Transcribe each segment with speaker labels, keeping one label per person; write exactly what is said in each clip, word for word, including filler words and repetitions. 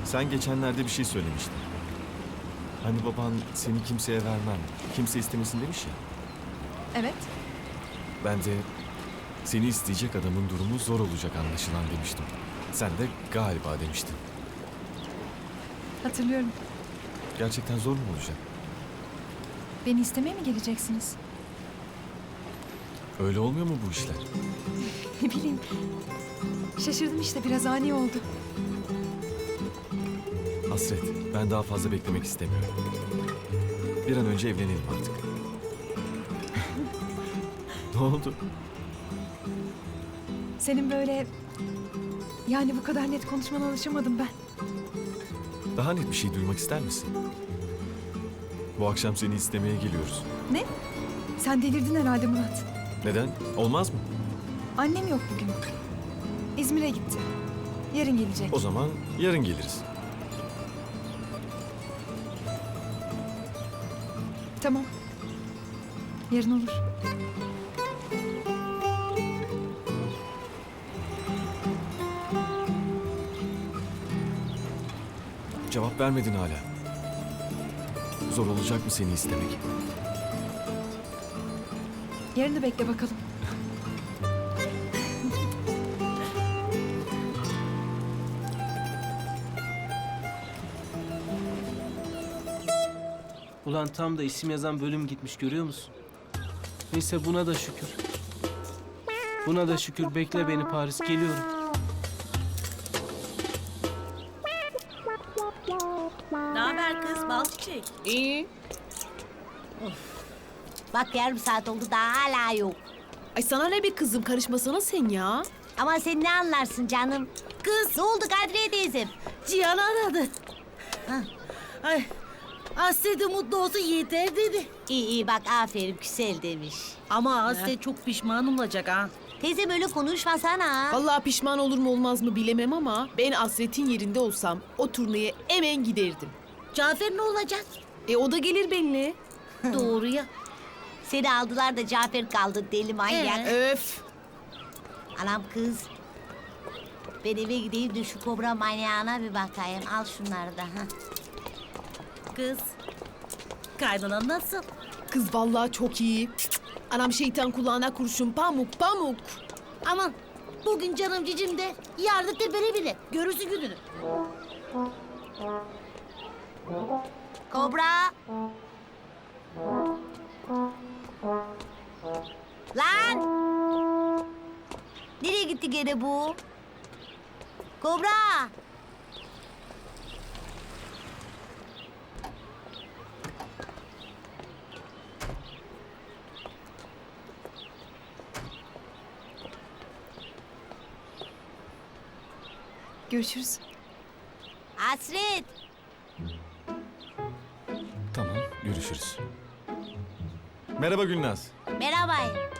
Speaker 1: Sen geçenlerde bir şey söylemiştin. Hani baban seni kimseye vermem, kimse istemesin demiş ya.
Speaker 2: Evet.
Speaker 1: Ben de seni isteyecek adamın durumu zor olacak anlaşılan demiştim. Sen de galiba demiştin.
Speaker 2: Hatırlıyorum.
Speaker 1: Gerçekten zor mu olacak?
Speaker 2: Beni istemeye mi geleceksiniz?
Speaker 1: Öyle olmuyor mu bu işler?
Speaker 2: Ne bileyim. Şaşırdım işte, biraz ani oldu.
Speaker 1: Hasret, ben daha fazla beklemek istemiyorum. Bir an önce evlenelim artık. Ne oldu?
Speaker 2: Senin böyle... Yani bu kadar net konuşmana alışamadım ben.
Speaker 1: Daha net bir şey duymak ister misin? Bu akşam seni istemeye geliyoruz.
Speaker 2: Ne? Sen delirdin herhalde Murat.
Speaker 1: Neden? Olmaz mı?
Speaker 2: Annem yok bugün. İzmir'e gitti. Yarın gelecek.
Speaker 1: O zaman yarın geliriz.
Speaker 2: Tamam. Yarın olur.
Speaker 1: Cevap vermedin hala. Zor olacak mı seni istemek?
Speaker 2: Yarını bekle bakalım.
Speaker 3: Ulan tam da isim yazan bölüm gitmiş, görüyor musun? Neyse, buna da şükür. Buna da şükür. Bekle beni Paris, geliyorum.
Speaker 4: Ne haber kız bal çiçek?
Speaker 5: İyi.
Speaker 4: Bak yarım saat oldu daha hala yok.
Speaker 5: Ay sana ne bir kızım, karışmasana sen ya.
Speaker 4: Ama sen ne anlarsın canım? Kız. Ne oldu Kadriye teyzem?
Speaker 6: Cihan aradı. Ay, Aslı da mutlu olsun yeter dedi.
Speaker 4: İyi iyi bak aferin güzel demiş.
Speaker 6: Ama Aslı çok pişman olacak ha.
Speaker 4: Teyzem öyle konuşmasana.
Speaker 5: Vallahi pişman olur mu olmaz mı bilemem ama ben Asret'in yerinde olsam o turneye hemen giderdim.
Speaker 6: Cafer ne olacak?
Speaker 5: E o da gelir benimle.
Speaker 6: Doğru ya.
Speaker 4: Seni aldılar da Cafer kaldı deli manyak.
Speaker 6: Ee?
Speaker 5: Öf.
Speaker 4: Anam kız. Ben eve gideyim de şu kobra manyağına bir bakayım. Al şunları da. Ha.
Speaker 6: Kız. Kaynanan nasıl?
Speaker 5: Kız vallahi çok iyi. Anam şeytan kulağına kurşun, pamuk pamuk.
Speaker 6: Aman bugün canım cicim de yarın tepene bile. Görürsün gününü.
Speaker 4: Kobra. Lan! Nereye gitti gene bu? Kobra!
Speaker 2: Görüşürüz.
Speaker 4: Hasret!
Speaker 1: Tamam, görüşürüz. Merhaba Gülnaz.
Speaker 4: Merhaba.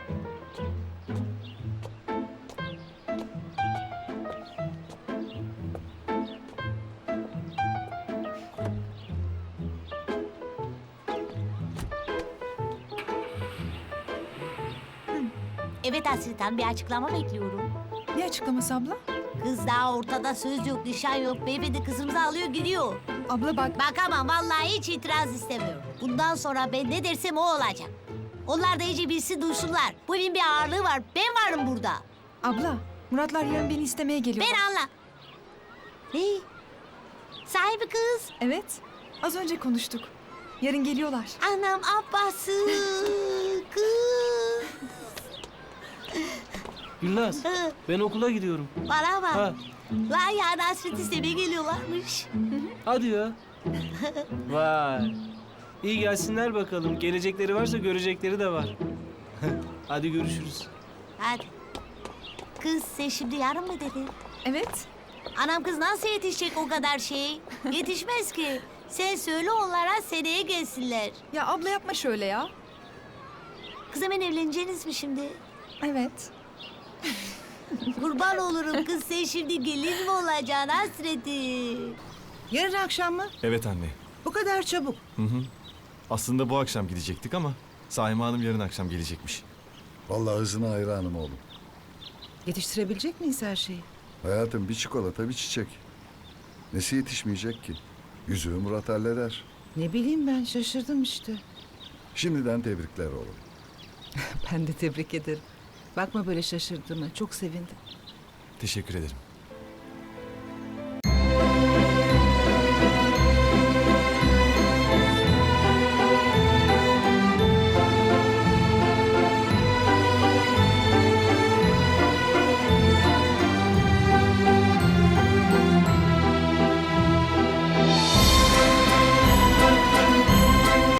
Speaker 4: Evet Hasret Hanım, bir açıklama bekliyorum.
Speaker 2: Ne açıklaması abla?
Speaker 4: Kız daha ortada söz yok, nişan yok. Beyefendi kızımızı alıyor gidiyor.
Speaker 2: Abla bak.
Speaker 4: Bak ama vallahi hiç itiraz istemiyorum. Bundan sonra ben ne dersem o olacak. Onlar da iyice bilsin duysunlar. Bu evin bir ağırlığı var. Ben varım burada.
Speaker 2: Abla, Muratlar yarın beni istemeye geliyor.
Speaker 4: Ben anla. Ne? Sahibi kız.
Speaker 2: Evet. Az önce konuştuk. Yarın geliyorlar.
Speaker 4: Anam abbası. Kız.
Speaker 3: Gülnaz,
Speaker 4: Hı.
Speaker 3: ben okula gidiyorum.
Speaker 4: Bana bak.
Speaker 3: Ha.
Speaker 4: Lan ya Hasret istemeye geliyorlarmış.
Speaker 3: Hadi ya. Vay. İyi gelsinler bakalım. Gelecekleri varsa görecekleri de var. Hadi görüşürüz.
Speaker 4: Hadi. Kız sen şimdi yarın mı dedin?
Speaker 2: Evet.
Speaker 4: Anam kız nasıl yetişecek o kadar şey? Yetişmez ki. Sen söyle onlara seneye gelsinler.
Speaker 2: Ya abla yapma şöyle ya.
Speaker 4: Kız hemen evleneceğiniz mi şimdi?
Speaker 2: Evet.
Speaker 4: Kurban olurum kız sen şimdi gelin mi olacaksın Hasreti?
Speaker 6: Yarın akşam mı?
Speaker 1: Evet anne.
Speaker 6: Bu kadar çabuk.
Speaker 1: Hı hı. Aslında bu akşam gidecektik ama Saime Hanım yarın akşam gelecekmiş.
Speaker 7: Vallahi hızına hayranım oğlum.
Speaker 6: Yetiştirebilecek miyiz her şeyi?
Speaker 7: Hayatım bir çikolata bir çiçek. Nesi yetişmeyecek ki? Yüzüğü Murat halleder.
Speaker 8: Ne bileyim ben şaşırdım işte.
Speaker 7: Şimdiden tebrikler oğlum.
Speaker 8: Ben de tebrik ederim. Bakma böyle şaşırdığıma çok sevindim.
Speaker 1: Teşekkür ederim.